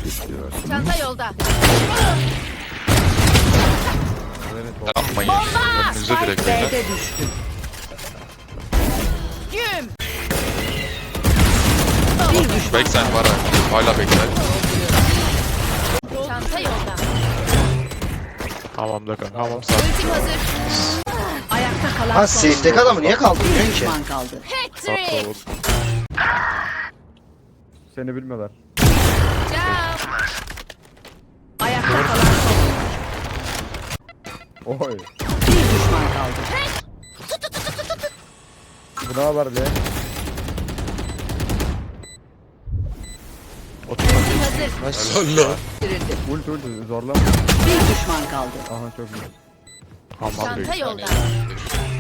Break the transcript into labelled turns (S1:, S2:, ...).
S1: Çanta yolda.
S2: Yapmayın. Önünüze direkt beyler.
S3: B'de düştü.
S1: Güm.
S3: Bir düşman
S2: Backside var ha. Hala backside.
S1: Çanta yolda.
S2: Hamamda kanka. Hamam sağ.
S1: Ultim hazır.
S3: ayakta kalan
S4: Ha
S3: son
S4: safe'deki adamı niye kaldırmıyor
S3: bir
S4: ki?
S3: düşman kaldı.
S1: Hat-trick.
S5: Seni bilmiyorlar.
S1: Ciao.
S3: Ayakta kalan son
S5: Oy.
S3: bir düşman kaldı.
S5: Bu ne haber be?
S1: Ultim hazır.
S3: Dirildi.
S5: Ulti zorlama.
S3: Bir düşman kaldı.
S5: Aha çok iyi.
S2: Hamam
S1: Çanta
S2: büyük.
S1: yolda.